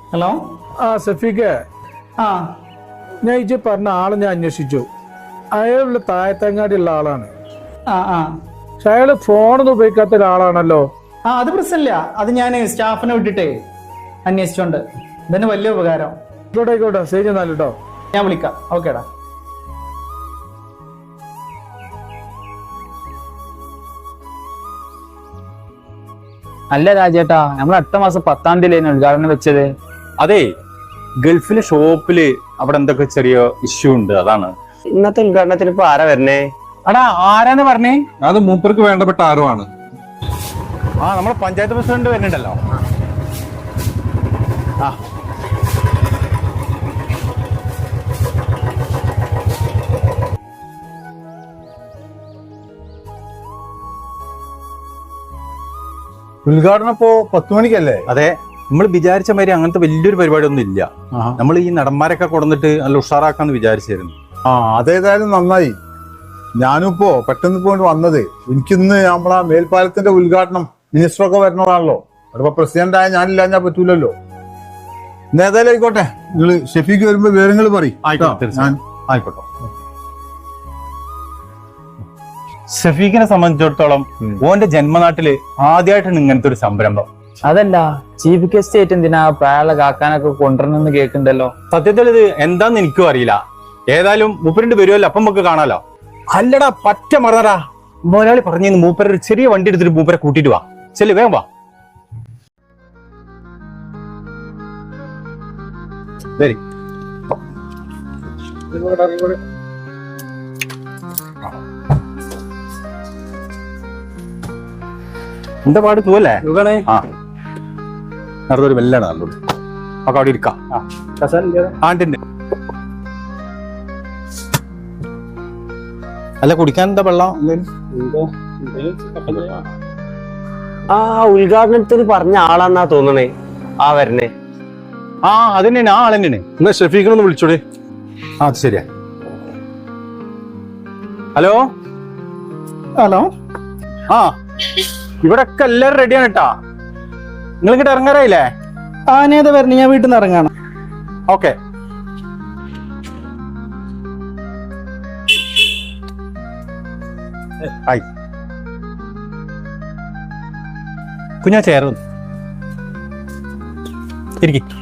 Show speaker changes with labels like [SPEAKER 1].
[SPEAKER 1] Hello.
[SPEAKER 2] സഫീഖ്, ഞാൻ ഇജ്ജ് പറഞ്ഞ ആളെ ഞാൻ അന്വേഷിച്ചു. അയാളുള്ള താഴത്തങ്ങാടിയുള്ള ആളാണ്. പക്ഷെ അയാള് ഫോണൊന്നും ഉപയോഗിക്കാത്ത ഒരാളാണല്ലോ.
[SPEAKER 1] അത് പ്രശ്നമില്ല. അത് ഞാൻ സ്റ്റാഫിനെ വിട്ടിട്ടേ അന്വേഷിച്ചോണ്ട്. ഇതന്നെ വലിയ ഉപകാരം.
[SPEAKER 2] ആയിക്കോട്ടെ, ശരി എന്നാൽ കേട്ടോ.
[SPEAKER 1] ഞാൻ വിളിക്കാം. ഓക്കേടാ.
[SPEAKER 3] അല്ല രാജേട്ടാ, നമ്മൾ അടുത്ത മാസം 10-ാം തീയതി ഉദ്ഘാടനം വെച്ചത്.
[SPEAKER 4] അതെ, ഗൾഫിലെ ഷോപ്പില് അവിടെ എന്തൊക്കെ ചെറിയ ഇഷ്യൂ ഉണ്ട്, അതാണ്.
[SPEAKER 5] ഇന്നത്തെ ഉദ്ഘാടനത്തിന് ഇപ്പൊ ആരാ വരണേ?
[SPEAKER 3] അടാ, ആരാന്ന് പറഞ്ഞേ?
[SPEAKER 6] അത് മൂപ്പർക്ക് വേണ്ടപ്പെട്ട ആരുമാണ്.
[SPEAKER 4] നമ്മളെ പഞ്ചായത്ത് പ്രസിഡന്റ് വരുന്നുണ്ടല്ലോ.
[SPEAKER 6] ഉദ്ഘാടനം ഇപ്പോ 10 മണിക്കല്ലേ?
[SPEAKER 4] അതെ, നമ്മൾ വിചാരിച്ച മാതിരി അങ്ങനത്തെ വലിയൊരു പരിപാടി ഒന്നും ഇല്ല. നമ്മൾ ഈ നടന്മാരൊക്കെ കൊടുന്നിട്ട് നല്ല ഉഷാറാക്കാന്ന് വിചാരിച്ചായിരുന്നു.
[SPEAKER 6] അതേതായാലും നന്നായി. ഞാനും ഇപ്പോ പെട്ടെന്ന് പോയിട്ട് വന്നത്. എനിക്കിന്ന് നമ്മളാ മേൽപ്പാലത്തിന്റെ ഉദ്ഘാടനം മിനിസ്റ്ററൊക്കെ വരണതാണല്ലോ. അതിപ്പോ പ്രസിഡന്റ് ആയ ഞാനില്ല, ഞാൻ പറ്റൂലല്ലോ. ഏതായാലും ആയിക്കോട്ടെ, നിങ്ങള് ഷെഫീക്ക് വരുമ്പോ വിവരങ്ങൾ പറയും.
[SPEAKER 4] ആയിക്കോട്ടെ. ഷഫീഖിനെ സംബന്ധിച്ചിടത്തോളം ഓന്റെ ജന്മനാട്ടില് ആദ്യമായിട്ടാണ് ഇങ്ങനത്തെ ഒരു സംരംഭം.
[SPEAKER 3] അതല്ല, ചീഫ് ഗസ്റ്റ് ആയിട്ട് എന്തിനാ പ്രായമുള്ള കാക്കാനൊക്കെ കൊണ്ടുവരണമെന്ന് കേൾക്കണ്ടല്ലോ.
[SPEAKER 4] സത്യത്തിൽ ഇത് എന്താന്ന് എനിക്കും അറിയില്ല. ഏതായാലും മൂപ്പരിന്റെ വരുമല്ലോ, അപ്പം നമുക്ക് കാണാലോ. അല്ലടാ, പറ്റ മറന്നടാ. മുതലാളി പറഞ്ഞു മൂപ്പര ഒരു ചെറിയ വണ്ടി എടുത്തിട്ട് മൂപ്പരെ കൂട്ടിട്ട് വാ. ചെല്ലു, വേഗം വാ. വരി. എന്താ പാട്, പോവല്ലേ? നടന്നൊരു വെല്ലാണ് നല്ലത്. ഒക്കെ അവിടെ ഇരിക്കാം. ആണ്ടിന്റെ അല്ല, കുടിക്കാൻ എന്താ വെള്ളം?
[SPEAKER 5] ഉദ്ഘാടനത്തിന് പറഞ്ഞ ആളാന്നാ തോന്നണേ വരണേ.
[SPEAKER 4] അത് തന്നെയാണ്, ആൾ തന്നെയാണ്.
[SPEAKER 6] എന്നാ ഷെഫീഖിനൊന്ന് വിളിച്ചോടെ.
[SPEAKER 4] അത് ശരിയാ. ഹലോ. ഇവിടെ ഒക്കെ എല്ലാരും റെഡിയാണ് കേട്ടാ. നിങ്ങൾ ഇങ്ങോട്ട് ഇറങ്ങാറായില്ലേ?
[SPEAKER 1] ഞാനേതാ വരണേ? ഞാൻ വീട്ടിൽ നിന്ന് ഇറങ്ങാണ്.
[SPEAKER 4] ഓക്കെ. കുഞ്ഞാ ചേർന്ന് ഇരിക്കും.